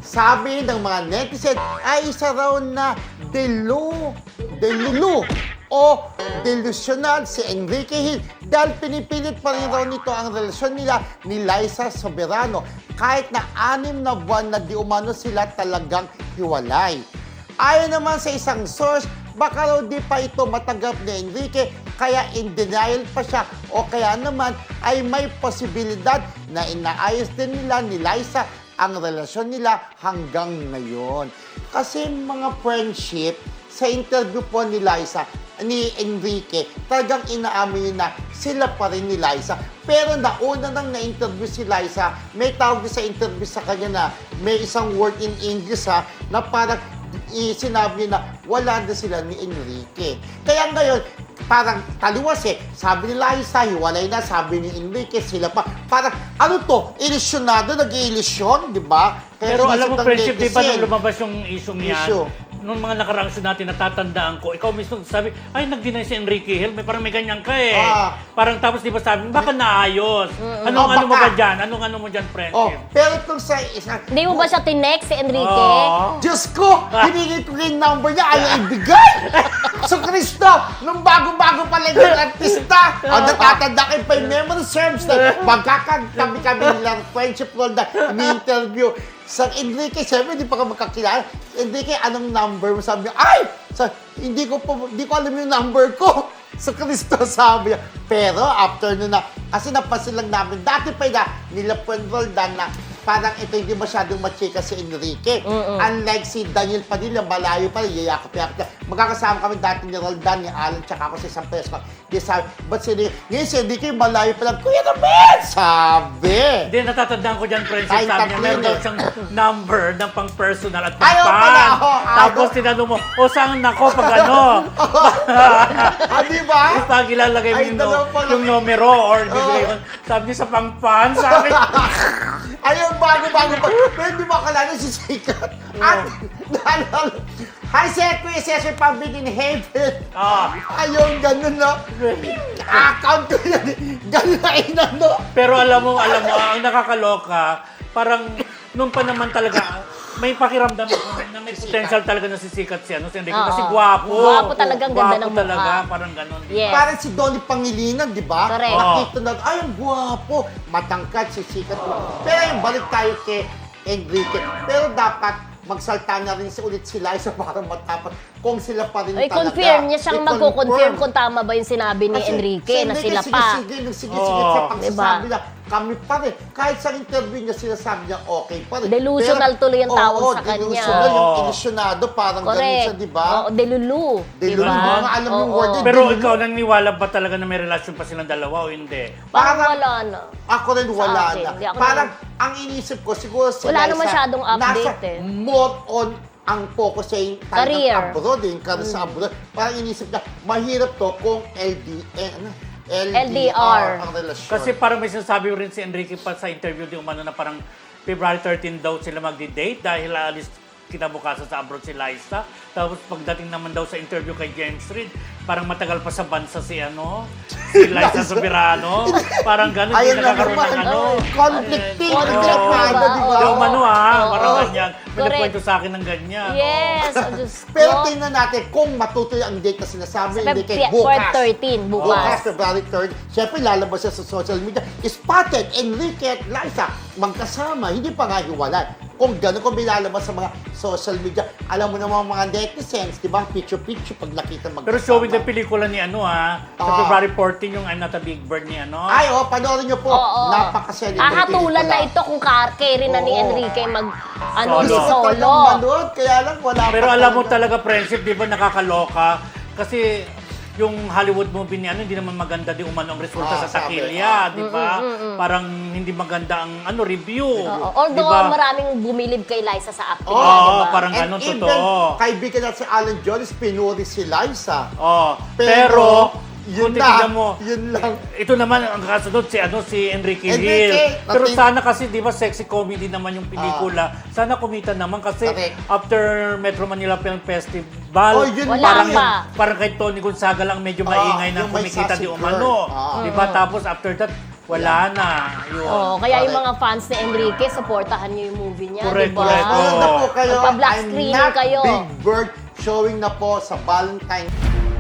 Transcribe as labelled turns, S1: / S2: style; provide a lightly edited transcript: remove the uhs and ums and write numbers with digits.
S1: sabi ng mga netizen ay isa raw na delulu o delusional si Enrique Hill dahil pinipilit pa rin raw nito ang relasyon nila ni Liza Soberano kahit na 6 na buwan na di umano sila talagang hiwalay. Ayon naman sa isang source, baka raw di pa ito matanggap ni Enrique kaya in denial pa siya o kaya naman ay may posibilidad na inaayos din nila ni Liza ang relasyon nila hanggang ngayon. Kasi mga friendship, sa interview po ni Liza, ni Enrique, talagang inaamin na sila pa rin ni Liza. Pero nauna nang na-interview si Liza, may tawag sa interview sa kanya na may isang word in English na parang sinabi niya na wala na sila ni Enrique. Kaya ngayon, parang taliwas sabi ni Liza, hiwalay na, sabi ni Enrique, sila pa. Parang, ano to, ilisyonado, nag-iilisyon, di ba?
S2: Pero alam mo, friendship, di ba nung lumabas yung issue niyan?
S1: Issue.
S2: Nung mga nakaraang show natin, natatandaan ko, ikaw mismo sabi, ay, nag-deny si Enrique Hill, parang may ganyan ka Parang tapos di ba sabi, baka naayos. Ano mo ba dyan? Ano mo dyan, friendship?
S1: Pero itong sa isang...
S3: Hindi mo ba siya tinext si Enrique?
S1: Diyos ko! Hinigit ko yung number niya, ayaw ibigay! So, Cristo, nung bago-bago pala yung artista, natatanda kayo pa yung memory serves na magkakagabi-kami nilang friendship role na ni-interview. Sa Enrique, siyempre, hindi pa ka magkakilala. Enrique, anong number mo? Sabi niya, ay! Hindi ko alam yung number ko. Sa Cristo, sabi niya. Pero, after nun na, kasi napansin lang namin, dati pa na, nila Roldan na, parang ito hindi masyadong machika si Enrique. Unlike si Daniel Padilla, malayo pa rin, yayakap-yakap na. Magkakasama kami dati ni Roldan, ni Alan, tsaka ako sa isang press con. Di sabi, ba't ngayon si Enrique, malayo pa lang, Kuya naman! Sabi!
S2: Hindi, natatandaan ko dyan, friendship, sabi niya, meron daw siyang number ng pang-personal at
S1: Ayaw
S2: pang-fan.
S1: pala,
S2: Tapos tinanong mo, saan nako pag ano?
S1: Di ba?
S2: Pag ilalagay mo yung numero or bibigay mo, sabi niya sa pang-fan, sabi
S1: Ayun, bago-bago pa. Pero hindi mo akalala si Sikat. At, hi, Kuya Cesar Pambin in Heaven. Ayun, ganun na. Account ko yan. Ganun na inano.
S2: Pero alam mo, ang nakakaloka, parang nung pa naman talaga, may pakiramdam ako na may potential talaga na sisikat si Enrique. Kasi gwapo.
S3: Gwapo talaga, ang ganda ng
S2: Gwapo talaga,
S3: mukha.
S2: parang ganun.
S3: Yes.
S1: Parang si Donnie Pangilinan, di ba?
S3: Correct.
S1: Nakita na, ay, ang gwapo. Matangkad, sisikat. Pero yung balik tayo kay Enrique. Pero dapat magsalta na rin ulit si Liza para matapat kung sila pa rin talaga.
S3: confirm niya siyang magko-confirm kung tama ba yung sinabi ni Enrique na sila pa.
S1: Sige, sa pagsasabi na kami pa rin. Kahit sa interview niya sinasabi niya okay pa rin.
S3: Delusional tuloy ang tawag sa kanya.
S1: Delusional, yung ilisyonado, parang ganun siya, di ba?
S3: Oo, delulu.
S1: Delulu, mga alam yung word yun.
S2: Pero ikaw, naniniwala ba talaga na may relasyon pa silang dalawa o hindi?
S3: Parang wala na.
S1: Ako rin wala
S3: akin,
S1: na.
S3: hindi ako
S1: Parang ang iniisip ko, siguro si
S3: Wala
S1: Liza,
S3: na masyadong update
S1: nasa more on ang focus sa yung
S3: Career.
S1: abroad, yung career sa abroad. Parang inisip na, mahirap to kung LDR ang relasyon.
S2: Kasi parang may sinasabi rin si Enrique pa sa interview di umano na parang February 13 daw sila magdi-date dahil alis kinabukasan sa abroad si Liza. Tapos pagdating naman daw sa interview kay James Reid, parang matagal pa sa bansa si Liza Soberano. Parang gano'n, hindi nakakaroon ng
S1: conflicting.
S3: Oo.
S1: Di ba?
S2: Di umano parang
S3: Oo.
S2: ganyan. May
S3: Correct.
S2: nagkwento sa akin ng ganyan.
S3: Yes. Diyos ko.
S1: Pero tingnan natin kung matutuloy ang date na sinasabi
S3: Sa
S1: hindi kay
S3: Feb-
S1: bukas.
S3: 13, bukas.
S1: February 3rd. Siyempre, lalabas siya sa social media. Spotted, Enrique at Liza, magkasama, hindi pa nga hiwalay. Kung gano'n, kung bilalabas sa mga social media, alam mo naman mga netizens, di ba? Picture-picture pag nakita magkasama.
S2: Pero showing the pelikula ni sa February 14 yung I'm Not a Big Bird ni
S1: Ay, panoorin niyo po.
S3: Oo.
S1: Napaka-celebrate.
S3: Hahatulan na ito kung carry na ni
S1: Oo.
S3: Enrique
S2: Solo.
S3: solo.
S1: Manood, kaya lang wala
S2: Pero
S1: pa
S2: alam mo
S1: talaga.
S2: talaga, friendship, di ba nakakaloka? Kasi yung Hollywood movie ni hindi naman maganda di umano ang resulta sa
S1: sabi.
S2: takilya, di ba? Parang hindi maganda ang review.
S3: Although
S2: di ba?
S3: maraming bumilib kay Liza sa acting.
S2: Oo,
S3: diba?
S2: parang
S1: And
S2: ganun,
S1: even,
S2: totoo.
S1: kaibigan natin si Alan Jones, pinuri si Liza.
S2: Pero
S1: yun
S2: kung
S1: na,
S2: titignan mo,
S1: yun lang.
S2: ito naman ang kasunod si Enrique Hill.
S1: Enrique,
S2: Pero
S1: natin-
S2: sana kasi, di ba, sexy comedy naman yung pelikula. Sana kumita naman kasi
S1: Correct.
S2: after Metro Manila Film Festival,
S1: Yun
S3: Wala
S2: parang,
S3: pa.
S2: parang kay Tony Gonzaga lang medyo maingay na
S1: yung may
S2: kumikita
S1: sassy
S2: di umano.
S1: girl.
S2: Di ba? Tapos after that, wala na. Yun.
S3: Oh, kaya yung
S1: Correct.
S3: mga fans ni Enrique, supportahan niyo yung movie niya,
S2: Correct,
S3: di ba?
S2: correct.
S1: Meron na po kayo,
S3: Magpa-black
S1: I'm
S3: screening
S1: not
S3: kayo.
S1: Big Bird, showing na po sa Valentine.